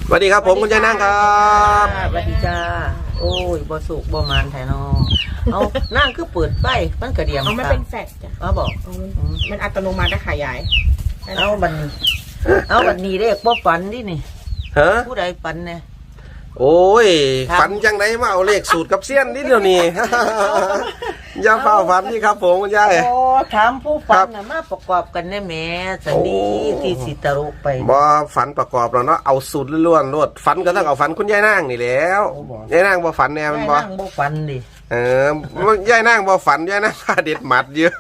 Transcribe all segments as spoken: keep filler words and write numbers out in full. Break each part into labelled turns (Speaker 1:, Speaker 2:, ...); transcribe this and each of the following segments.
Speaker 1: สวัสดีครับผมคุณยายนั่งครับ
Speaker 2: สวัสดีจ้าโอ้ยบ่สุกบ่มานแท้น้องเอานั่งคือเปิดไฟมันกระเดียม
Speaker 3: เอามันเป็นแฟลชจ้ะ
Speaker 2: เอาบอก
Speaker 3: มันอัตโนมัตินะขยาย
Speaker 2: เอาบันนี้เอาบันนี้เด็กบ่ฝันดินี่
Speaker 1: ฮะ
Speaker 2: ผู้ใดฝันเนี่ย
Speaker 1: โอ้ย
Speaker 2: ครับ
Speaker 1: ฝันจังไดมาเอาเลขสูตรกับเสี้ยนนิดเดียวนี่ อย่าเฝ้าฝันนี่ครับผมคุณยาย
Speaker 2: โอ้ถามผู้ฝันน่ะมาประกอบกันแน่แหม่สันดีที่สิตรุไป
Speaker 1: บ่ฝันประกอบแล้วเนาะเอาสูตรล้วนๆรวดฝันก็ต้องเอาฝันคุณยายนั่งนี่แหล้วยายนั่งบ่ฝันแน่มันบ่
Speaker 2: นั่งบ่ฝันดิ
Speaker 1: เออยายนั่งบ่ฝันยายนั่งพาเด็ดหมัดเยอะ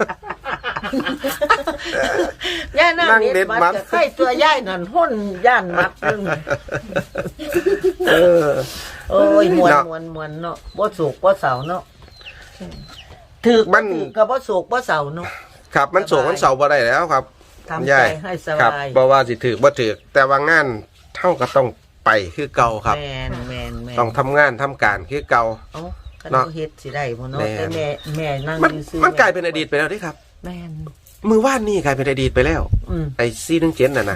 Speaker 2: ย่านั่ง
Speaker 1: นั่งเด็
Speaker 2: เด็
Speaker 1: ด
Speaker 2: ด
Speaker 1: มั
Speaker 2: มั
Speaker 1: ด
Speaker 2: ดใกล้ตัวย่ายนั่นห้นย่านมัดนึง
Speaker 1: เออ
Speaker 2: โอ้ยมวน
Speaker 1: เนาะ
Speaker 2: มวนมวนเนาะบ่สุกบ่เสาเนาะถือ
Speaker 1: มั
Speaker 2: มัน นก็บ่สุกบ่เสาเนาะ
Speaker 1: ครับมันโศกมันเสาบ่ได้แล้วครับ
Speaker 2: ทำ
Speaker 1: ยา
Speaker 2: ใจ
Speaker 1: ย
Speaker 2: ให้ส
Speaker 1: ครับ
Speaker 2: บาย
Speaker 1: บ่ว่าสิถือบ่ถือแต่ว่างานเท่าก็ต้องไปคือเก่าครับ
Speaker 2: แมนแมนแมน
Speaker 1: ต้องทำงานทำการคือเก่า
Speaker 2: เอ้าคัน
Speaker 1: เนาะ
Speaker 2: เขาเฮ็ดสิได้บ่เนาะ
Speaker 1: แม่น
Speaker 2: แต่แม่แม่นั่ง
Speaker 1: มัน
Speaker 2: ซื่อๆ
Speaker 1: มันกลายเป็นอดีตไปแล้วที่ครับ
Speaker 2: แม่น
Speaker 1: มือว่านนี่กลายเป็นอดีตไปแล้ว
Speaker 2: อืม
Speaker 1: ไอ้ซีนึงเจ็ดน่ะนะ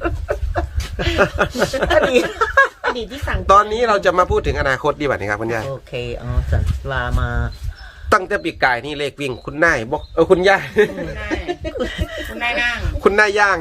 Speaker 2: อดีต
Speaker 3: อดีตที่สั่ง
Speaker 1: ตอนนี้เราจะมาพูดถึงอนาคตดีกว่านี้ครับคุณยาย
Speaker 2: โอเคเอาสันลามา
Speaker 1: ตั้งแต่ปีกายนี่เลขวิ่งคุณนายบอกเออคุณยาย
Speaker 3: คุณนายคุณนายนั่ง
Speaker 1: คุณนายย่าง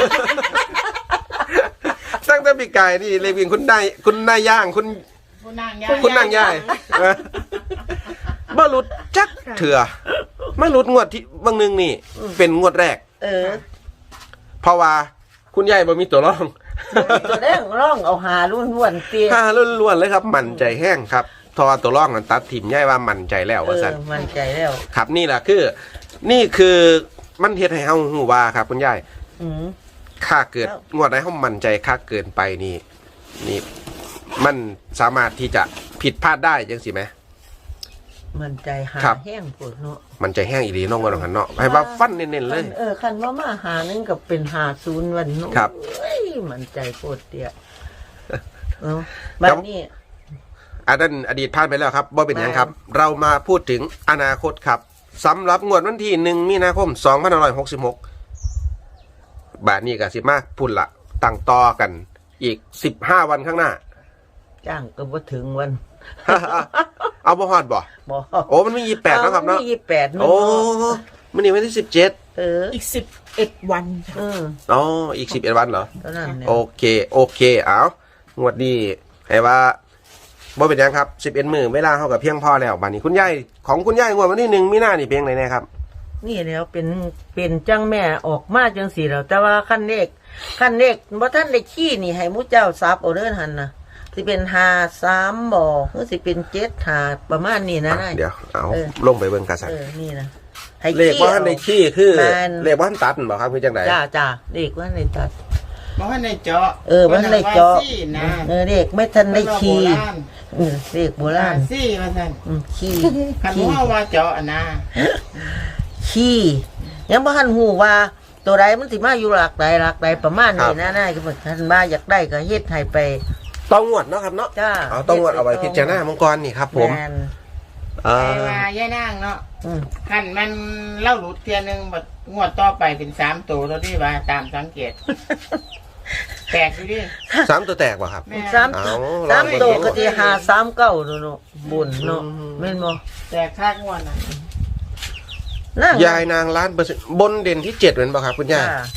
Speaker 1: ตั้งแต่ปีกายนี่เลขวิ่งคุณนายคุณนายย่างคุณ
Speaker 3: คุณนางย่า
Speaker 1: คุณนางยายเออมาหลุดจักเถื่อมาหลุดงวดที่บางหนึงนี่ เป็นงวดแรก
Speaker 2: เออ
Speaker 1: เพราะว่าคุณยายบ่มีตัวรอง
Speaker 2: ตัวแดงร้องเอาหาล้วนๆเตี้ย
Speaker 1: ห้าล้วนๆเลยครับ มั่นใจแห้งครับทอตัวรองนั้นตัดถิ่มย่ายว่ามั่นใจแล้ว
Speaker 2: เอ
Speaker 1: ว่า
Speaker 2: อ
Speaker 1: ซั่น
Speaker 2: มั่นใจแล้ว
Speaker 1: ครับนี่แหละคือ นี่คือมันเฮ็ดให้เฮาฮู้ว่าครับคุณยาย
Speaker 2: อืม
Speaker 1: ค่าเกิด
Speaker 2: ครับ
Speaker 1: งวดใดเฮามั่นใจค่าเกินไปนี่ นี่มันสามารถที่จะผิดพลาดได้จังสิไหม
Speaker 2: มั่นใจหา
Speaker 1: ครับ
Speaker 2: แห้งปวดเนาะ
Speaker 1: มันใจแห้งอีหลีน้องว่าหันเนาะให้ว่าฟันเน้นๆเลย
Speaker 2: เออคันว่ามาหานึงกับเป็นหาศูนย์วันเนาะ
Speaker 1: ครับ
Speaker 2: เอ้ยมั่นใจโคตรเตี้ยเอ้าบัดนี้
Speaker 1: อันนั้นอดีตผ่านไปแล้วครับบ่เป็นหยังครับ เรามาพูดถึงอนาคตครับสำหรับงวดวันที่หนึ่งมีนาคมสองพันห้าร้อยหกสิบหกบาทนี้ก็สิมาพูดละตั้งต่อกันอีกสิบห้าวันข้างหน้า
Speaker 2: จ้างก็บ่ถึงวัน
Speaker 1: เอาบ่ฮอดบ่
Speaker 2: บ่
Speaker 1: โอ้มันมียี่แปดนะครับเนาะ
Speaker 2: มียี่สิบแปดนึง
Speaker 1: โอ้
Speaker 2: เนาะ
Speaker 1: มันนี่วันที่สิบเจ็ด
Speaker 2: เออ
Speaker 3: อีกสิบเอ็ดวัน
Speaker 2: เออ
Speaker 1: อ๋ออีกสิบเอ็ดวันเหรอ
Speaker 2: เท่านั้นเนี่ย
Speaker 1: โอเคโอเคเอางวดนี้ให้ว่าบ่เป็นหยังครับสิบเอ็ดมื้อเวลาเฮากับเพียงพอแล้วบัดนี้คุณยายของคุณยายงวดวันที่หนึ่งมีนานี่เพียงไหนแน่ครับ
Speaker 2: นี่แล้วเป็นเป็นจังแม่ออกมาจังสี่แล้วแต่ว่าขั้นเลขขั้นเลขบ่ท่านได้ขี้นี่ให้หมูเจ้าซับเอาเด้อหั่นน่ะสิเป็นห้า สามบ่หรือสิเป็นเจ็ด ห้าประมาณนี้นะ
Speaker 1: อ่ะ
Speaker 2: นาย
Speaker 1: เดี๋ยวเอา
Speaker 2: เออ
Speaker 1: ลงไปเบิ่งกันสัก
Speaker 2: เออนี่นะให้
Speaker 1: เลขว่าท่านในขี้คือ
Speaker 2: แม่น
Speaker 1: เลขว่าท่านตัดบ่ครับคือจังได
Speaker 2: จ้าจ้าเลขว่าในตัด
Speaker 3: มาให้ในเจาะ
Speaker 2: เออมันในเจาะ
Speaker 3: ว่ซี่นะ
Speaker 2: เออเลขไม่ทันได้ขี้เออเลขโบ
Speaker 3: โบรา
Speaker 2: รา
Speaker 3: ณ
Speaker 2: ณ
Speaker 3: ซี่มาสั่น
Speaker 2: อืมขี้
Speaker 3: คัน
Speaker 2: ขี้
Speaker 3: ว่าว่าเจาะอะนะ
Speaker 2: ขี้ยังบ่ทันฮู้ว่าตัวใดมันสิมาอยู่หลักใดหลักใดประมาณนี้นะนายก็บ่ทันว่าอยากได้ก็เฮ็ดให้ไป
Speaker 1: ต้องงวดเนาะครับเนาะ
Speaker 2: จ้า
Speaker 1: เอาต้องงวดเอาไว้พิจารณามังกรนี่ครับผม
Speaker 2: แน
Speaker 1: อ่า
Speaker 3: ไอ้ว่าย่ายนางเนาะ
Speaker 2: อืม
Speaker 3: คันมันเล่าหลุดเทียนึงบัดงวดต่อไปเป็นสามตัวเท่าที่ว่าตามสังเกตแตกอยู่ดิ
Speaker 1: สามตัวแตกบ่ครับ
Speaker 3: แม่
Speaker 2: สาม
Speaker 1: เอา
Speaker 2: สาม
Speaker 1: ลอง
Speaker 2: ตัว
Speaker 1: ดู
Speaker 2: ก็สิหาสามเก้าเนาะบุญเนาะ
Speaker 1: อืม
Speaker 2: แม่นบ่
Speaker 3: แตกคากงวดน่ะ
Speaker 2: นั่ง
Speaker 1: ยายนางล้านเปอร์เซ็นต์บนเด่นที่เจ็ดเป็นบ่ครับคุณยาย
Speaker 2: จ้าร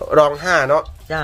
Speaker 1: องห้าเนาะ
Speaker 2: จ้า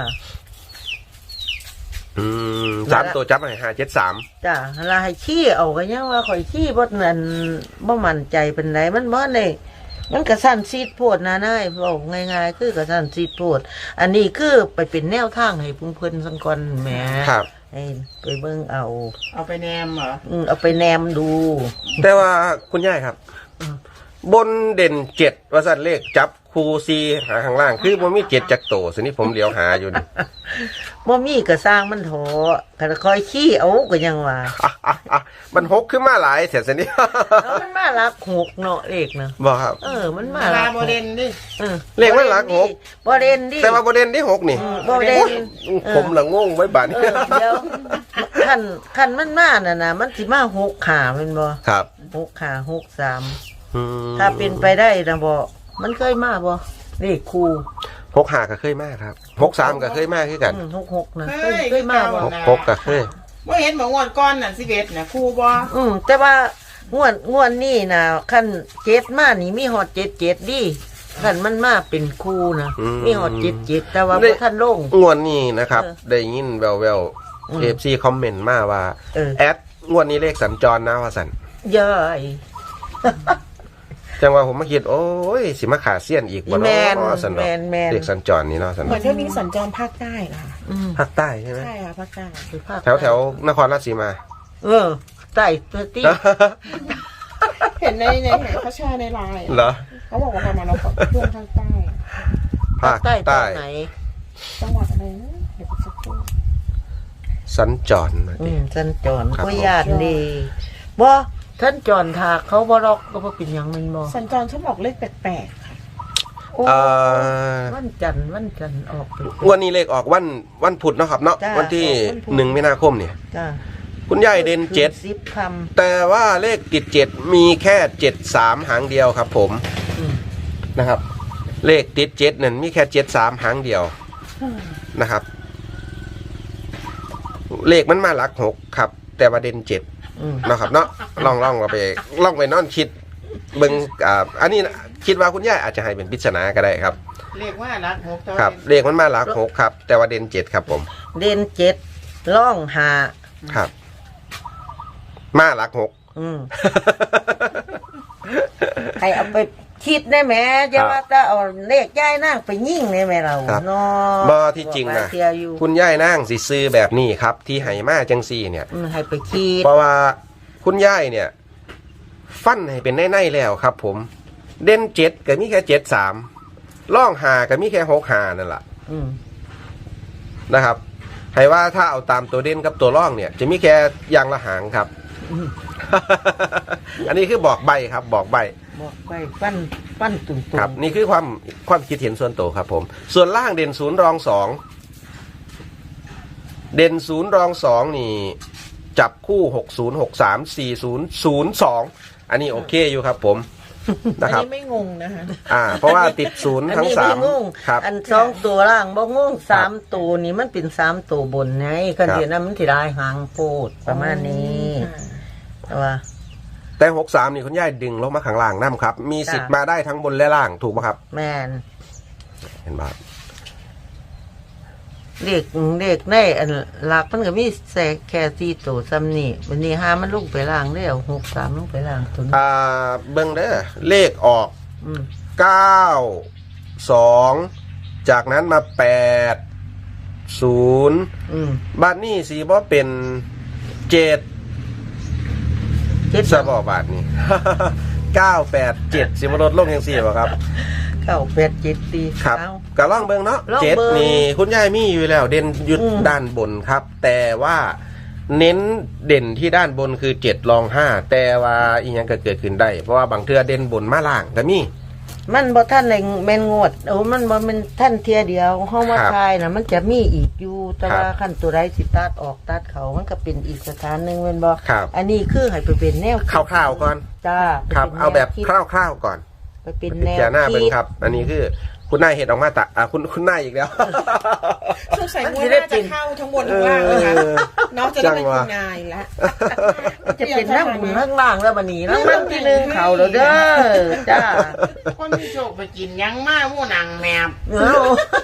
Speaker 1: อืมสามตัวจับให้ห้าเจ็ดสาม
Speaker 2: จ้าลาให้ขี้เอาก็ยังว่าข่อยขี้บ่นั่นบ่มั่นใจเป็นไรมันบ่ได้มันก็สั้นซีดโพดนะนายเว้าง่ายๆคือก็สั้นซีดโพดอันนี้คือไปเป็นแนวทางให้เพิ่นๆสังก่อนแหม
Speaker 1: ครับ
Speaker 2: ให้ไปเบิ่งเอา
Speaker 3: เอาไปแนมเหรอ
Speaker 2: อืมเอาไปแนมดู
Speaker 1: แต่ว่าคุณยายครับ
Speaker 2: อืม
Speaker 1: บนเด่นเจ็ดว่าสันเลขจับคูซีหาข้างล่าง คือมันมีเจ็ดจักโตสินี่ผมเลี้ยวหาอยู่นี่
Speaker 2: บ่มีก็สร้างมันโถก็คอยขี้เอาก็ยังว่า
Speaker 1: อ่ะอ่ะอ่ะมันหกขึ้นมาหลายเสียสินี่
Speaker 2: แล้วมันมารักหกเนาะเลขนะ
Speaker 1: บอกครับ
Speaker 2: เออ มันมา
Speaker 3: มา
Speaker 2: รั
Speaker 3: ลาก โม
Speaker 2: หก
Speaker 3: เดนดิ
Speaker 2: ออ
Speaker 1: เลขมันหลักหก
Speaker 2: บ่เด่นดิ
Speaker 1: แต่ว่าประเด็นที่หกนี่
Speaker 2: อืมบ่เด่น
Speaker 1: ผมละงงไว้บัด
Speaker 2: เอ
Speaker 1: นี้
Speaker 2: อเดี๋ยวคันคันมันมาน่ะนะมันสิมาหกขาแม่นบ่
Speaker 1: ครับ
Speaker 2: หกขาหกสาม
Speaker 1: อืม
Speaker 2: ถ้าเป็นไปได้นะบ่มันเคยมาบ่เลขคู่
Speaker 1: หกห้าก็เคยมากครับหกสามก็เคยมากคือกัน
Speaker 2: อืมหกหกนะ
Speaker 3: เฮ้
Speaker 2: เคย
Speaker 3: ย
Speaker 2: เคยมาบ่
Speaker 1: หกหกก็เคย
Speaker 3: ว่าเห็นบอกงวดก้อนน่ะสิเอ็ดน่ะครูบ่
Speaker 2: อืมแต่ว่างวดงวดนี่นะขั้นเจ็ดมานี่มีฮอดเจ็ดเจ็ดดิขั้นมันมาเป็นคู่นะมีฮอดเจ็ดเจ็ดแต่ว่าบ่ท่านลง
Speaker 1: งวดนี้นะครับ
Speaker 2: เออ
Speaker 1: ได้ยินแววแวว
Speaker 2: อืม
Speaker 1: เอฟซีคอมเมนต์มาว่า
Speaker 2: เออ
Speaker 1: แอดงวดนี้เลขสัญจรนะว่าสัน
Speaker 2: ย่อย
Speaker 1: จังว่าผมมาคิดโอ้ยสิมาขาเซียนอีกบ่
Speaker 2: แม
Speaker 1: เนาะ
Speaker 2: น
Speaker 1: สัน
Speaker 2: แม
Speaker 1: เนาะ
Speaker 2: นแมน
Speaker 1: เลขสัญจรนี่เนาะสัน
Speaker 4: เหมือน
Speaker 1: เนาะ
Speaker 4: เที่ยวนี้สัญจรภาคใต้นะคะ
Speaker 2: อืม
Speaker 1: ภาคใต้ใช่ไหม
Speaker 4: ใช่ค่ะภาคใต้
Speaker 1: แถวแถวนครราชสีมา
Speaker 2: เออใต้ตัวตี้
Speaker 4: เห็นในในเห็นเขาแชร์ในไลน์
Speaker 1: เหรอ
Speaker 4: เขาบอกว่าประมาณเราขอช่วงภาคใต้
Speaker 1: ภาค
Speaker 2: ใต้ตร
Speaker 1: ใต้
Speaker 2: งไหน
Speaker 4: จังหวัดอะไรนะเดี๋ยวสักครู่
Speaker 1: สัญจรมา
Speaker 2: อื
Speaker 1: ดิ
Speaker 2: มท่านจอน
Speaker 1: ครับ
Speaker 2: ก็ญาติดีบ่ท่านจอนถากเขาบ่รอกก็บ่เป็นหยังแมันบ่
Speaker 4: สัญจรชอบบอกเลขแปลกๆค่ะ
Speaker 2: โอ้
Speaker 1: เอ่อ
Speaker 2: วันจันทร์วันจันทร์ออกไป
Speaker 1: วันนี้เลขออกวันวันพุธเนาะครับเนาะ
Speaker 2: จ้า
Speaker 1: วันที่
Speaker 2: ออกวันพุธ
Speaker 1: หนึ่งมีนาคมเนี่ย
Speaker 2: จ้า
Speaker 1: คุณยายเด่นเจ็ด
Speaker 2: สิบค
Speaker 1: แต่ว่าเลขติดเจ็ดมีแค่เจ็ดสามหางเดียวครับผม
Speaker 2: ำอืม
Speaker 1: นะครับ เลขติดเจ็ดนั่นมีแค่เจ็ดสามหางเดียวนะครับ เลขมันมาหลักหกครับ แต่ว่าเด่นเจ็ด
Speaker 2: อืม
Speaker 1: นะครับเนาะลองลองเอาไปลองไปนอนคิดเบิ่งอ่าอันนี้นะคิดว่าคุณยายอาจจะให้เป็นปริศนาก็ได้ครับ
Speaker 3: เรียกว่ารักหกตัว
Speaker 1: ครับ เลขมันมาหลักหกครับ แต่ว่าเด่นเจ็ดครับผม
Speaker 2: เด่นเจ็ดล่องหา
Speaker 1: ครับ มาหลักหก
Speaker 2: อืมให้เอาไปคิดได้ไหมจะ
Speaker 1: ครับ
Speaker 2: ว่าจะเอาเลขย้ายนั่งไปยิ่งได้ไหมเรา
Speaker 1: ครับ
Speaker 2: เนาะ
Speaker 1: บ่ที่จริงนะ
Speaker 2: เทียอยู่
Speaker 1: คุณยายนั่งสิซื้อแบบนี้ครับ ที่ไหมาจังซี่เนี่ย
Speaker 2: อืมให้ไปคิด
Speaker 1: เพราะว่าคุณยายเนี่ย ฟันให้เป็นแน่ๆแล้วครับ ผม เด่นเจ็ดก็มีแค่เจ็ดสามล่องหาก็มีแค่หกหานั่นแหละ
Speaker 2: อืม
Speaker 1: นะครับให้ว่าถ้าเอาตามตัวเด่นกับตัวล่องเนี่ย จะมีแค่อย่างละหางครับ
Speaker 2: อืม
Speaker 1: อันนี้คือบอกใบครับ บอกใบ
Speaker 2: บอกไปปั้นปั้นตุ่มๆ
Speaker 1: ครับ นี่คือความความคิดเห็นส่วนตัวครับ ผม ส่วนล่างเด่นศูนย์รองสองเด่นศูนย์รองสองนี่ จับคู่หกศูนย์หกสามสี่ศูนย์ศูนย์สองอันนี้โอเคอยู่ครับ ผม
Speaker 4: อั
Speaker 1: นะ
Speaker 4: น
Speaker 1: ครับ
Speaker 4: นี้ไม่งงนะคะ
Speaker 1: อ่า เพราะว่าติดศูนย์
Speaker 2: อัน
Speaker 1: ทั้ง
Speaker 2: นี้
Speaker 1: สา
Speaker 2: ไม่
Speaker 1: ม
Speaker 2: งง
Speaker 1: ครับ
Speaker 2: อันสองตัวล่างบ่งงสามตัวนี่มันเป็นสามตัวบนไงคัน
Speaker 1: ครับ
Speaker 2: เดียวนั้นมันสิได้หางโพดประมาณนี้แต่ว่า
Speaker 1: แต่หกสามนี่คุณยายดึงลงมาข้างล่างน้ำครับ มีสิทธิ์
Speaker 2: จ้ะ
Speaker 1: มาได้ทั้งบนและล่างถูกไหมครับ
Speaker 2: แม่น
Speaker 1: เห็นไหม
Speaker 2: เด็กเด็กในอันหลักมันก็มีแสกแค่สี่ตัวซ้ำนี่วันนี้ห้ามันลงไปล่างได้เอาหกสามลงไปล่างตัวนี้
Speaker 1: อ่าเบิ้งเด้อเลขออก
Speaker 2: อืม
Speaker 1: เก้าสองจากนั้นมาแปดศูนย์
Speaker 2: อืม
Speaker 1: บ้านนี้สีบ่เป็นเจ็ด
Speaker 2: เจ็ด
Speaker 1: สบอบาทนี่ เก้าแปดเจ็ดสิบลดลงยังสี่บ่ครับ
Speaker 2: เก้าแปดเจ็ดสี่
Speaker 1: ครับ
Speaker 2: เอา
Speaker 1: ก็ล่องเบิ้งเนาะ
Speaker 2: ลอง
Speaker 1: เจ็ด
Speaker 2: เบิ่ง
Speaker 1: นี่คุณยายมีอยู่แล้ว เด่นอยุด
Speaker 2: อืม
Speaker 1: ด้านบนครับ แต่ว่าเน้นเด่นที่ด้านบนคือเจ็ดรองห้าแต่ว่าอีกอย่างก็เกิดขึ้นได้ เพราะว่าบางเทื่อเด่นบนมาล่างก็มี
Speaker 2: มันบ่ท่านในแม่นงวดโอ้มันบ่แม่นท่านเทียเดียวเฮามา
Speaker 1: ครับ
Speaker 2: ทายน่ะมันจะมีอีกอยู่แต่
Speaker 1: ครับ
Speaker 2: ว่าขั้นตัวใดสิตัดออกตัดเขามันก็เป็นอีกสถานหนึงแม่นบ่
Speaker 1: ครับ
Speaker 2: อันนี้คือให้ไปเป็นแนวคิด
Speaker 1: คร่าวๆก่อน
Speaker 2: จ้า
Speaker 1: ครับ
Speaker 2: ไปป็น
Speaker 1: เอาแบบ
Speaker 2: นวคิด
Speaker 1: คร่าวๆก่อน
Speaker 2: ไปเป็น
Speaker 1: พิ
Speaker 2: แนว
Speaker 1: จารณาเบิ้ง
Speaker 2: คิด
Speaker 1: ครับ อันนี้คือคุณนายเห็ดออกมาตะอ่าคุณคุณนายอีกแล้ว
Speaker 4: สงสัยงวดหน้าจะเข้าทั้งบนทั้งล่างนะคะ
Speaker 1: เออ
Speaker 4: น้องจะได้เป็นคุณนายละ
Speaker 2: จะเป็นนั่งบุญข้างล่างแล้วบัดนี้รางวัลที่หนึ่งเขาแล้วเด้อจ้า
Speaker 3: คนมีโชคไปกินยังมาหมู่นางแมบ
Speaker 2: เออ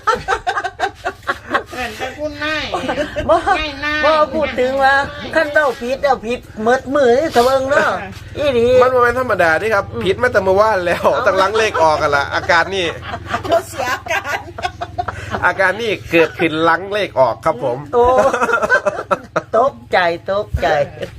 Speaker 3: เห็นแต่คุณนาย
Speaker 2: บ่
Speaker 3: ง่ายนาย
Speaker 2: บ่พูดถึงว่าขั้นเต้าผิดเอาผิดเมิดมือนี่ตะเบิงเนาะอีหลี
Speaker 1: มันบ่เป็นธรรมดาที่ครับผิดมาแต่เมื่อวานแล้วตั้งหลังเลขออกกันละอาการนี่
Speaker 4: เราเสียอาการ
Speaker 1: อาการนี่เกิดขึ้นหลังเลขออกครับผม
Speaker 2: โอ้ตกใจตกใจ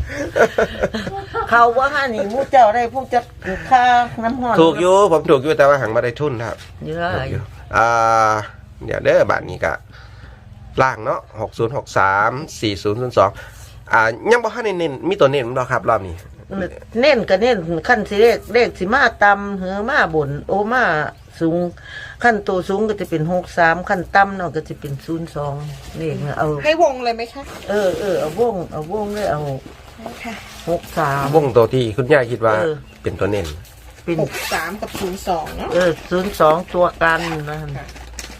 Speaker 2: เขาว่าห้านี่ผู้เจ้าได้ผู้จัดค่าน้ำหอน
Speaker 1: ถูกอยู่ผมถูกอยู่แต่ว่าหังมาได้ทุนครับ
Speaker 2: เยอะ
Speaker 1: ถูกอยู่อ่าเดี๋ยวเด้อบาทนี้ก็ล่างเนาะหกศูนย์หกสามสี่ศูนย์ศูนย์สองอ่ายังบ่ทันได้เน้นมีตัวเน้นบ่ครับรอบนี้
Speaker 2: เน้นก็เน้นขั้นสิเลขเลขสิมาต่ำเหือมาบนโอมาสูงขั้นตัวสูงก็จะเป็นหกสามขั้นต่ำเนาะก็จะเป็นศูนย์สองนี่เอา
Speaker 4: ให้วงเลยไหมคะ
Speaker 2: เออเออเอาวงเอาวงเลยเอา
Speaker 4: ค่ะ
Speaker 2: หกสาม
Speaker 1: วงตัวที่คุณย่าคิดว่า
Speaker 2: เออ
Speaker 1: เป็นตัวเน้น
Speaker 2: เป็น
Speaker 4: หกสามกับศูนย์สองเนาะ
Speaker 2: เออศูนย์สองตัวกันนะ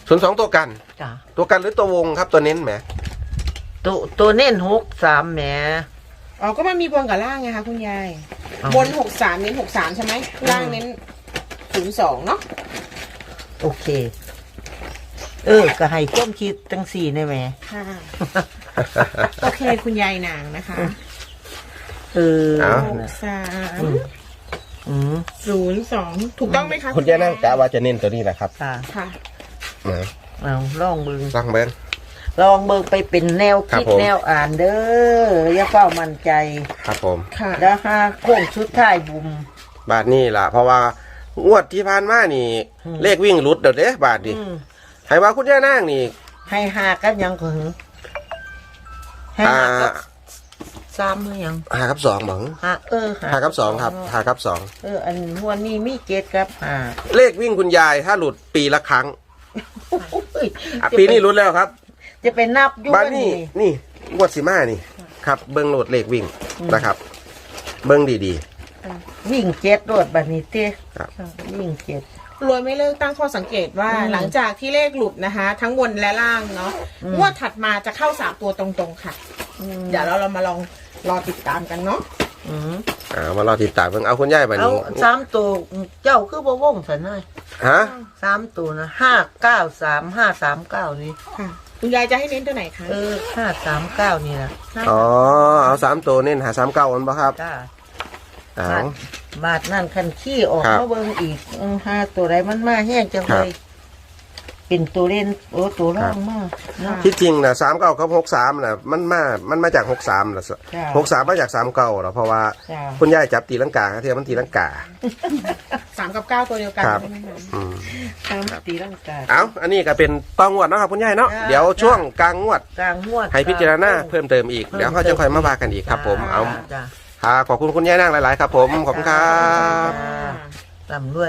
Speaker 1: ศูนย์สองตัวกัน
Speaker 2: จ้ะ
Speaker 1: ตัวกันหรือตัววงครับตัวเน้นแหม
Speaker 2: ตัวตัวเน้นหกสามแหม
Speaker 4: อ๋อก็มันมีบนกับล่างไงคะคุณยาย
Speaker 2: เอา
Speaker 4: บนหกสามเน้นหกสามใช่ไหมล่างเน้นศูนย์สองเนาะ
Speaker 2: โอเค เออ ก็ให้ความคิดจังสี่ได้ไหม
Speaker 4: ค่ะ โอเคคุณยายนางนะคะ
Speaker 2: เออ
Speaker 1: เอา
Speaker 4: หกสาม
Speaker 2: อืม
Speaker 4: ศูนย์สองถูกต้องไหมคะ
Speaker 1: คุณย่านั่งกะว่าจะเน้นตัวนี้แหละครับ
Speaker 2: ค่ะ
Speaker 4: ค่ะ
Speaker 1: นะ
Speaker 2: เอาลองเบิ่ง
Speaker 1: ตั้งเบิ้ง
Speaker 2: ลองเบิ่งไปเป็นแนวคิด
Speaker 1: ครับผม
Speaker 2: แนวอ่านเด้ออย่าเฝ้ามั่นใจ
Speaker 1: ครับผม
Speaker 4: ค่ะ
Speaker 2: แล้วหาโค้งชุดท้ายบุม
Speaker 1: บาทนี่ล่ะ เพราะว่างวดที่ผ่านมานี่
Speaker 2: อืม
Speaker 1: เลขวิ่งหลุดเดี๋ยวเด้บาทดิ
Speaker 2: อืม
Speaker 1: ให้ว่าคุณย่านั่งนี่
Speaker 2: ให้หากันยังก็หึงให้
Speaker 1: อ่า
Speaker 2: หากับสามหรือยัง
Speaker 1: หากับสองบัง
Speaker 2: หาเออ
Speaker 1: หากับสองครับหากับสอง
Speaker 2: เออ อันหัวนี้มีเจ็ดครับหา
Speaker 1: เลขวิ่งคุณยายถ้าหลุดปีละครั้ง
Speaker 2: โอ้ย
Speaker 1: อ่ะปีนี้หลุดแล้วครับ
Speaker 2: จะไปนับอยู่
Speaker 1: บ้าน
Speaker 2: ว่า
Speaker 1: นี่นี่งวดสิมานี่ครับ เบิ้งโหลดเลขวิ่งนะครับ เบิ้งดี
Speaker 2: วิ่งเจ็ดโดดบัดนี้เต้
Speaker 1: ครับ
Speaker 2: วิ่งเจ็ด
Speaker 4: รวยไม่เลิกตั้งข้อสังเกตว่า
Speaker 2: อืม
Speaker 4: หลังจากที่เลขหลุดนะคะ ทั้งบนและล่างเนาะ
Speaker 2: อืม
Speaker 4: งวดถัดมาจะเข้าสามตัวตรงๆค่ะ เดี๋ยวเราเรามาลองรอติดตามกันเนาะ
Speaker 2: อืม
Speaker 1: ๆอ่ามารอติดตามเบิ้งเอาคุณยายบัด
Speaker 2: เอา
Speaker 1: นี้
Speaker 2: สามตัวเจ้าคือบ่วงสันเลย
Speaker 1: ฮะ
Speaker 2: สามตัวนะห้าเก้าสามห้าสามเก้านี่
Speaker 4: ค่ะ คุณยายจะให้เน้นตัวไหนคะ
Speaker 2: เออห้าสามเก้านี่นะ
Speaker 1: อ๋อเอาสามตัวเน้นหาสามเก้าอันบ่ครับ
Speaker 2: จ้า
Speaker 1: เอา
Speaker 2: บาทบาทนั่นคันขี้ออก
Speaker 1: ครับ
Speaker 2: มาเบิ่งอีกอืมห้าตัวไรมันมาแห้งจัง
Speaker 1: ครั
Speaker 2: เล
Speaker 1: บ
Speaker 2: ยเป็นตัวเล่นโอ้ตัวร่องมากเนาะ
Speaker 1: ที่จริงนะสามเก้ากับหกสามนะมันมา มันมาจากหกสามนะ
Speaker 2: จ้ะ
Speaker 1: หกสามมาจากสามเก้าหรอเพราะว่า
Speaker 2: จ้า
Speaker 1: คุณยายจับตีลังกาเทียมมันตีลังกา
Speaker 4: สามกับเก้าตัวเดียวกัน
Speaker 1: ครับ
Speaker 4: ใช่ไหมคะ
Speaker 1: อืม
Speaker 2: ตามตีร่างกาย
Speaker 1: เอาอันนี้ก็เป็นตองงวดเนาะครับคุณยายเนาะ
Speaker 2: จ้ะ
Speaker 1: เดี๋ยวช่วงกลางงวด
Speaker 2: กลางหัวด
Speaker 1: ให้พิจารณาเพิ่มเติมอีก เดี๋ยวเขาจะค่อยมาว่ากันอีกครับผม เอา
Speaker 2: จ้า
Speaker 1: ค่ะขอบคุณคุณยายนั่งหลาย ๆ ครับผม ขอบคุณครับ
Speaker 2: จ้าลำด้วย